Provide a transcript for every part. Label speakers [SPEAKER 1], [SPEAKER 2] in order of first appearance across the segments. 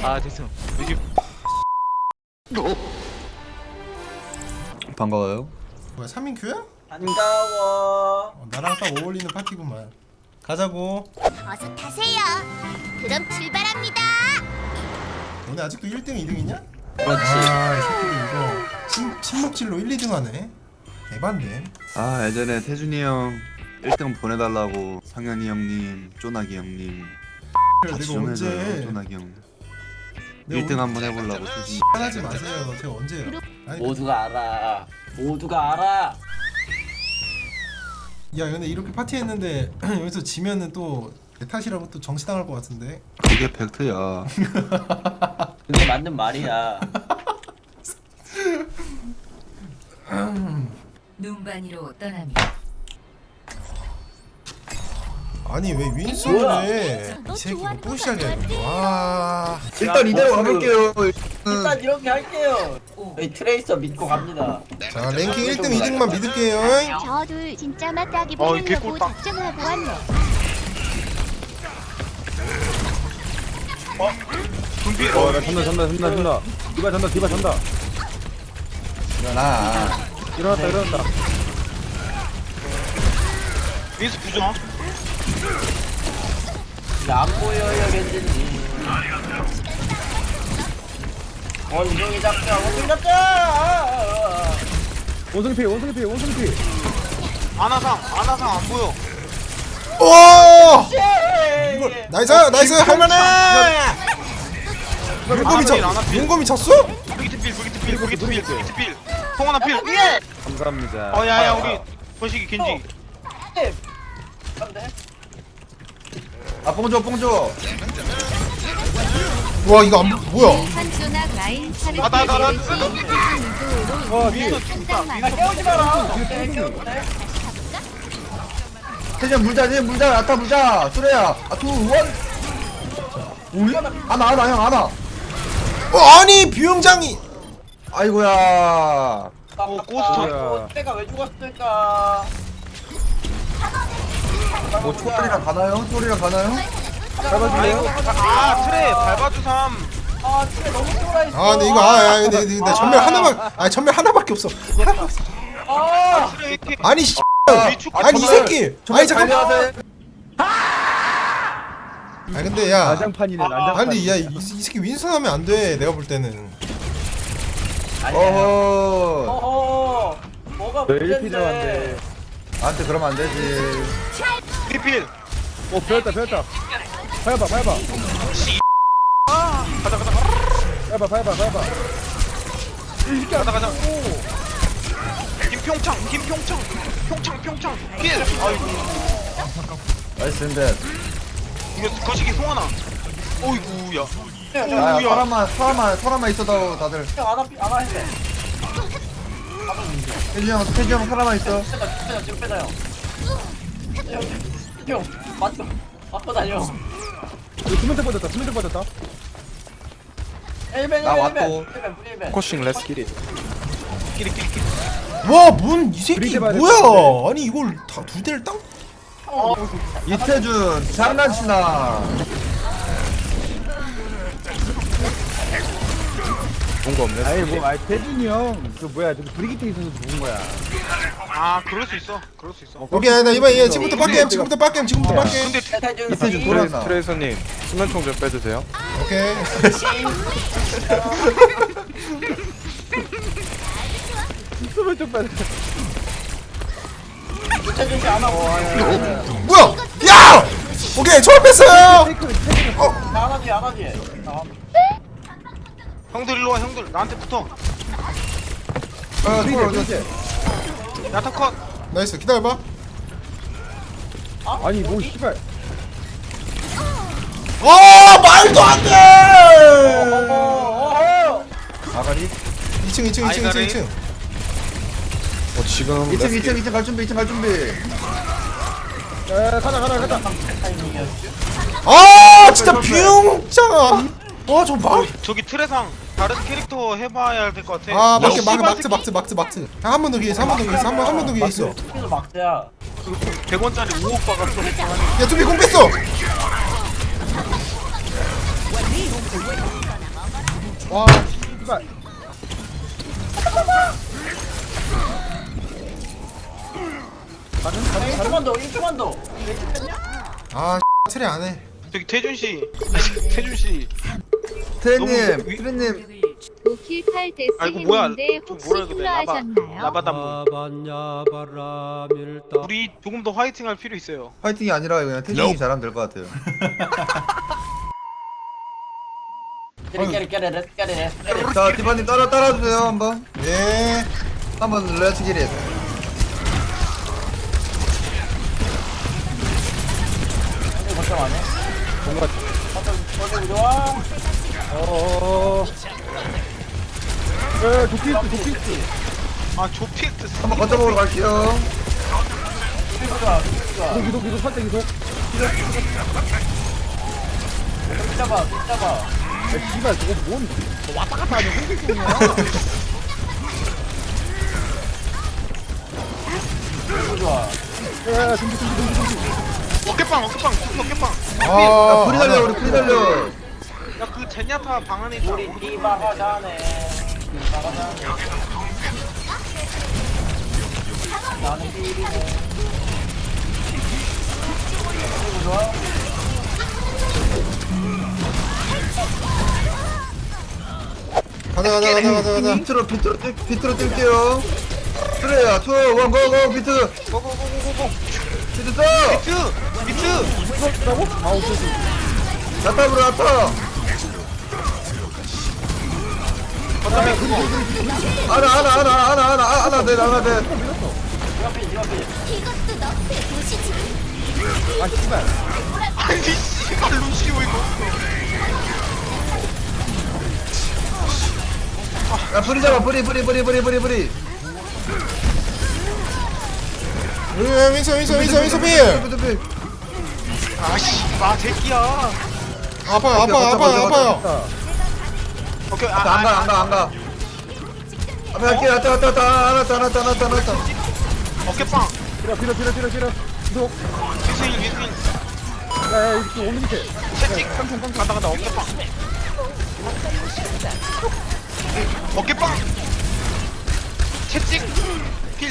[SPEAKER 1] 아 죄송. 요즘
[SPEAKER 2] 반가워요.
[SPEAKER 3] 뭐야 3인큐야?
[SPEAKER 4] 반가워.
[SPEAKER 3] 나랑 딱 어울리는 파티구만. 가자고.
[SPEAKER 5] 어서 타세요. 그럼 출발합니다.
[SPEAKER 3] 너네 아직도 1등 2등이냐?
[SPEAKER 4] 그렇지.
[SPEAKER 3] 아, 이 새끼들 이거 침묵질로 1, 2등 하네. 대반데.
[SPEAKER 2] 아 예전에 태준이 형 1등 보내달라고 상현이 형님, 쪼나기 형님 같이
[SPEAKER 3] 내가
[SPEAKER 2] 좀
[SPEAKER 3] 언제
[SPEAKER 2] 해줘요. 쪼나기 형
[SPEAKER 3] 내가
[SPEAKER 2] 1등 한번 해보려고
[SPEAKER 3] 언제
[SPEAKER 2] 태준이.
[SPEAKER 3] 하지 마세요. 제가 언제요? 아니,
[SPEAKER 4] 모두가 알아. 모두가 알아.
[SPEAKER 3] 야 근데 이렇게 파티했는데 여기서 지면은 또 내 탓이라고 또 정시당할 것 같은데.
[SPEAKER 2] 그게 팩트야.
[SPEAKER 4] 그게 맞는 말이야.
[SPEAKER 6] 눈반이로 떠납니다.
[SPEAKER 3] 아니 왜 윈스를
[SPEAKER 4] 뭐야?
[SPEAKER 3] 해? 이 새끼가 또 시작이야 이거. 와.
[SPEAKER 2] 일단 이대로 가볼게요.
[SPEAKER 4] 일단 이렇게 할게요. 저희 트레이서 믿고 갑니다.
[SPEAKER 3] 자 랭킹 1등 2등만 믿을게요.
[SPEAKER 5] 저 둘 진짜 맞다기
[SPEAKER 1] 어,
[SPEAKER 5] 보려고
[SPEAKER 1] 개꿀빵.
[SPEAKER 5] 작정하고 왔네.
[SPEAKER 1] 분필.
[SPEAKER 7] 나 잔다. 디바 잔다.
[SPEAKER 2] 일어나.
[SPEAKER 7] 일어났다.
[SPEAKER 1] 윈스 부정.
[SPEAKER 4] 이제 안 보여요, 겐진님. 원숭이 잡자, 원숭이 잡자!
[SPEAKER 7] 원숭이 피.
[SPEAKER 1] 아나상 안 보여.
[SPEAKER 3] 오!
[SPEAKER 4] 예!
[SPEAKER 3] 나이스 할만해.
[SPEAKER 1] 아나필, 아나필.
[SPEAKER 3] 용검이 찼어?
[SPEAKER 1] 브리기트 필. 통하나 필.
[SPEAKER 4] 예!
[SPEAKER 7] 감사합니다.
[SPEAKER 1] 야야 우리 거시기 겐지.
[SPEAKER 4] 안 돼?
[SPEAKER 2] 아 뽕줘.
[SPEAKER 3] 와 이거 안 뭐야?
[SPEAKER 6] 한조나 라인 차를
[SPEAKER 1] 나.
[SPEAKER 7] 와,
[SPEAKER 1] 윈스 죽다.
[SPEAKER 4] 아, 깨우지 마라! 깨우네?
[SPEAKER 2] 태준 물자. 아타 물자. 수레야. 아투 원. 우리? 아나 형 아나.
[SPEAKER 3] 아니 비용장이.
[SPEAKER 2] 아이고야.
[SPEAKER 1] 고스트.
[SPEAKER 4] 때가 왜 죽었을까?
[SPEAKER 2] 뭐 초월이랑 가나요?
[SPEAKER 1] 아이고 트레 밟아주삼.
[SPEAKER 4] 아, 진짜 너무 쫄아있어.
[SPEAKER 3] 아 근데 이거 근데 나 전멸 하나밖에 없어.
[SPEAKER 4] 아!
[SPEAKER 1] 트레 이렇게.
[SPEAKER 3] 아니 씨.
[SPEAKER 1] 위축.
[SPEAKER 3] 아니 이 새끼. 아니 잠깐만.
[SPEAKER 2] 달려야 돼.
[SPEAKER 3] 아 근데 야.
[SPEAKER 7] 난장판이네.
[SPEAKER 3] 아 근데 야이 새끼 윈선 하면 안 돼. 내가 볼 때는.
[SPEAKER 4] 아니야.
[SPEAKER 2] 어허.
[SPEAKER 4] 어허. 뭐가
[SPEAKER 7] 너 1피
[SPEAKER 4] 문제인데?
[SPEAKER 7] 잡았는데.
[SPEAKER 2] 나한테 그러면 안 되지.
[SPEAKER 1] 리필.
[SPEAKER 7] 배웠다. 밟아. 밟아.
[SPEAKER 1] 가자. 김평창. 평창. 필. 아이고.
[SPEAKER 2] 나이스 인데.
[SPEAKER 1] 이거 거시기 송하나. 어이구야.
[SPEAKER 2] 야 사람만 있어도 다들.
[SPEAKER 4] 안 하는데.
[SPEAKER 2] 태준 형 사람만 있어.
[SPEAKER 4] 빼자, 지금 빼자요. 형, 맞고 다녀.
[SPEAKER 7] 수면대 빠졌다.
[SPEAKER 4] 엘벤,
[SPEAKER 2] 나 왔고.
[SPEAKER 4] 엘벤.
[SPEAKER 7] 코싱 렛츠 기릿.
[SPEAKER 1] 끼리.
[SPEAKER 3] 와뭔이 새끼
[SPEAKER 7] 브리드 봐야
[SPEAKER 3] 뭐야? 아니 이걸 다 두 대를 땅?
[SPEAKER 2] 이태준 장난치나.
[SPEAKER 7] 본거 없네. 아니 태준이 형. 그 뭐야? 저기 브리기트 있어서 죽은 거야.
[SPEAKER 1] 아 그럴 수 있어.
[SPEAKER 3] 오케이 나 이번 얘 지금부터 빡겜.
[SPEAKER 1] 근데
[SPEAKER 2] 이태준 돌아나.
[SPEAKER 7] 트레이서님 수면총 좀 빼주세요.
[SPEAKER 3] 오케이.
[SPEAKER 7] 수면총 빼.
[SPEAKER 4] 유채준 씨안 하고.
[SPEAKER 3] 뭐야? 야! 오케이 초월 뺐어요.
[SPEAKER 4] 안 하지.
[SPEAKER 1] 형들 일로 와 형들 나한테 붙어.
[SPEAKER 2] 초월 어디 갔지?
[SPEAKER 1] 야타 컷.
[SPEAKER 3] 나이스 기다려봐.
[SPEAKER 7] 아니 뭐 씨발.
[SPEAKER 3] 말도 안 돼.
[SPEAKER 2] 아가리.
[SPEAKER 3] 2층.
[SPEAKER 7] 지금
[SPEAKER 2] 2층 갈 준비.
[SPEAKER 7] 야 가자.
[SPEAKER 3] 아 진짜 비용장. 저 말.
[SPEAKER 1] 저기 트레상 다른 캐릭터 해봐야 될 것 같아.
[SPEAKER 3] 아
[SPEAKER 1] 야, 씨발
[SPEAKER 3] 막트. 한 번 더 기회 있어. 한 번 더 기회 있어.
[SPEAKER 4] 스피드 막대야.
[SPEAKER 1] 100원짜리 5억 박았어.
[SPEAKER 3] 야 두비 공 뺐어.
[SPEAKER 7] 와 씨발.
[SPEAKER 4] 1초만 더 1초만 더.
[SPEAKER 3] 아 트레 안해.
[SPEAKER 1] 저기 태준 씨. 태준 씨.
[SPEAKER 2] 트레님,
[SPEAKER 1] 너무 위-
[SPEAKER 2] 트레님.
[SPEAKER 6] 도킬 8데스
[SPEAKER 1] 아이고 뭐야?
[SPEAKER 6] 했는데
[SPEAKER 1] 좀
[SPEAKER 6] 혹시
[SPEAKER 1] 뭐라 그래?
[SPEAKER 6] 힐러하셨나요?
[SPEAKER 1] 라바담. 우리 조금 더 화이팅할 필요 있어요.
[SPEAKER 2] 파이팅이 아니라 그냥 태준이 잘하면 될 것 같아요.
[SPEAKER 4] 깨르.
[SPEAKER 2] 자, 디바님 따라주세요 한번.
[SPEAKER 3] 예.
[SPEAKER 2] 한번 렛츠 기릿.
[SPEAKER 4] 걱정 안 해.
[SPEAKER 7] 뭔가
[SPEAKER 4] 어제 좋아.
[SPEAKER 7] 도피스.
[SPEAKER 1] 아 조피엑트.
[SPEAKER 2] 한번 거쳐먹으러 갈게요.
[SPEAKER 7] 이속 살짝 이속.
[SPEAKER 4] 잡아.
[SPEAKER 7] 야 씨발 저거 뭔 왔다 갔다 하는 홍길동이야.
[SPEAKER 4] 좋아.
[SPEAKER 7] 야 준비.
[SPEAKER 1] 어깨빵. 어깨빵.
[SPEAKER 3] 아
[SPEAKER 2] 불이 달려, 우리 불이 달려.
[SPEAKER 1] 야 그 제냐타 방 안에 있잖아.
[SPEAKER 4] 우리 디바가 자네. 나는 비리네. 좋아.
[SPEAKER 3] 가자.
[SPEAKER 2] 비트로 뛸게요. 트레야, 투, 원, 고, 비트.
[SPEAKER 1] 고고고고고고.
[SPEAKER 2] 비트 써.
[SPEAKER 1] 비트.
[SPEAKER 7] 아 오케이.
[SPEAKER 2] 나타브로 나타. 하나, 네.
[SPEAKER 5] 이것도 너프에 보시지.
[SPEAKER 7] 아 씨발.
[SPEAKER 1] 아니 씨발 루시오 이거.
[SPEAKER 2] 야, 불이 잡아, 불이.
[SPEAKER 3] 윈서 필.
[SPEAKER 2] 비트.
[SPEAKER 1] 아씨 아 새끼야.
[SPEAKER 3] 아파요.
[SPEAKER 1] 오케이
[SPEAKER 2] 안 가. 앞에 갈게, 왔다. 하나.
[SPEAKER 1] 어깨빵.
[SPEAKER 7] 필요. 이속.
[SPEAKER 1] 위스인.
[SPEAKER 7] 야 이거 오는 밑에.
[SPEAKER 1] 채찍. 간다 어깨빵. 어깨빵. 채찍. 필.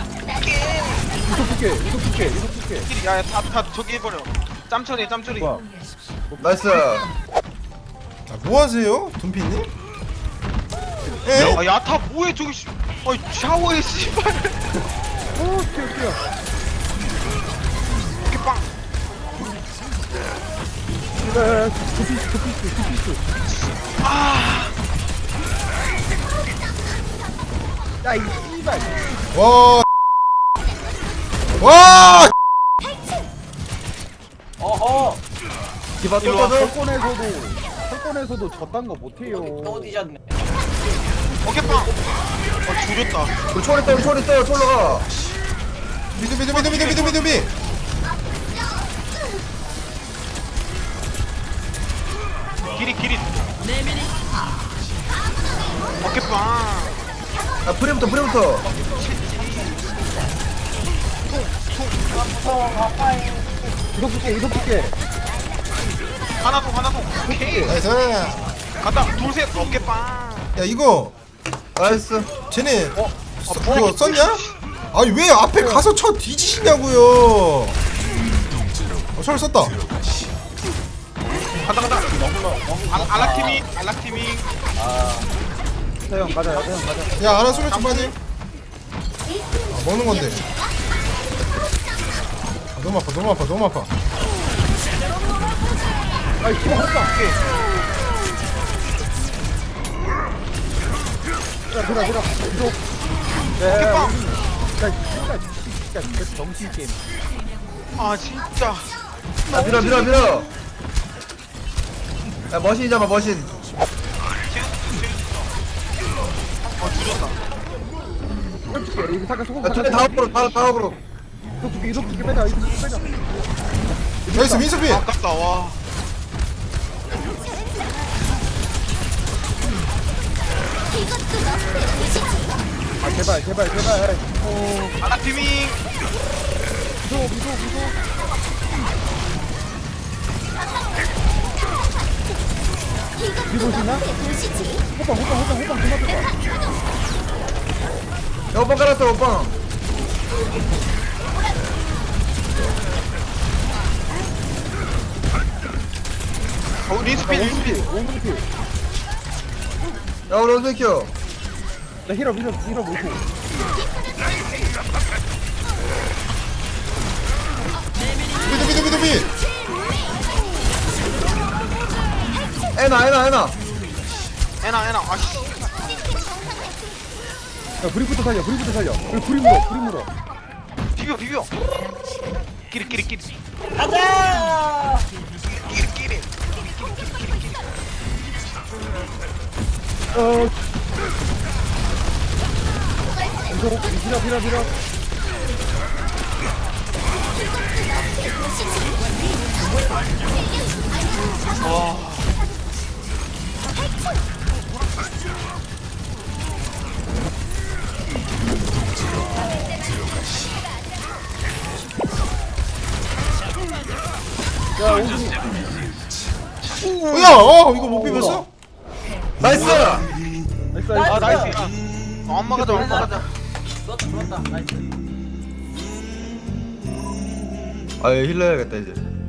[SPEAKER 7] 이속 붙게.
[SPEAKER 1] 필. 야다 저기 해버려. 짬처리.
[SPEAKER 7] 뭐야?
[SPEAKER 2] 나이스.
[SPEAKER 3] 뭐 하세요, 둠피님? 예?
[SPEAKER 1] 아 야타 뭐해 저기 씨. 샤워해 씨발.
[SPEAKER 7] 뛰어.
[SPEAKER 1] 어깨빵.
[SPEAKER 7] 도피스. 야 이 씨발.
[SPEAKER 3] 와.
[SPEAKER 4] 어허.
[SPEAKER 2] 디바 또
[SPEAKER 1] 일로 와.
[SPEAKER 2] 떠줘.
[SPEAKER 7] 철권에서도 저딴 거 못해요.
[SPEAKER 4] 또 뒤졌네.
[SPEAKER 1] 어깨빵. 줄였다.
[SPEAKER 2] 우리 초리 떠, 졸로 가.
[SPEAKER 3] 미드.
[SPEAKER 1] 길이. 어깨빵.
[SPEAKER 2] 야, 프리부터.
[SPEAKER 7] 이속 붙게.
[SPEAKER 1] 하나 더. 오케이.
[SPEAKER 3] 나이스.
[SPEAKER 1] 간다. 둘셋 어깨빵.
[SPEAKER 3] 야 이거
[SPEAKER 2] 나이스.
[SPEAKER 3] 쟤네 그거 썼냐? 아니 왜 앞에 가서 쳐 뒤지시냐고요. 철 썼다.
[SPEAKER 1] 간다. 알락티밍.
[SPEAKER 7] 형 가자.
[SPEAKER 3] 야 하나 소매 좀 빠지. 먹는 건데. 너무 아파.
[SPEAKER 7] 아이 씨발 헛다. 들어. 이속.
[SPEAKER 1] 어깨빵.
[SPEAKER 7] 진짜 정신 게임.
[SPEAKER 1] 아 진짜.
[SPEAKER 2] 야, 밀어. 야, 머신 잡아.
[SPEAKER 1] 줄였다.
[SPEAKER 7] 이거 잠깐 소금.
[SPEAKER 2] 야, 두개 다 업으로.
[SPEAKER 7] 이속 붙게 빼자.
[SPEAKER 3] 나이스 민수필.
[SPEAKER 1] 아깝다 와.
[SPEAKER 5] 이것도 너프에 보시지.
[SPEAKER 7] 아 제발.
[SPEAKER 1] 알락티밍.
[SPEAKER 7] 이속. 뒤로 오시나?
[SPEAKER 5] 너의 도시지.
[SPEAKER 7] 호빵 그만 둬봐.
[SPEAKER 8] 야 오빠 깔았어 오빠.
[SPEAKER 1] 린스필 린스필.
[SPEAKER 7] 원숭이 필.
[SPEAKER 8] 야 우리 원숭이 키워.
[SPEAKER 7] 나 힐업 못해.
[SPEAKER 3] 두비.
[SPEAKER 8] 에나
[SPEAKER 1] 에나 아씨.
[SPEAKER 7] 야 브리부터 살려. 그리고 불이 물어.
[SPEAKER 1] 비벼. 끼리.
[SPEAKER 4] 가자.
[SPEAKER 1] 끼리.
[SPEAKER 7] 밀어.
[SPEAKER 3] 야, 이거 못 비볐어?
[SPEAKER 8] 나이스.
[SPEAKER 7] 나이스.
[SPEAKER 1] 아 나이스. 안 막아자.
[SPEAKER 4] 좋았다. 나이스.
[SPEAKER 8] 아 힐러 해야겠다 이제.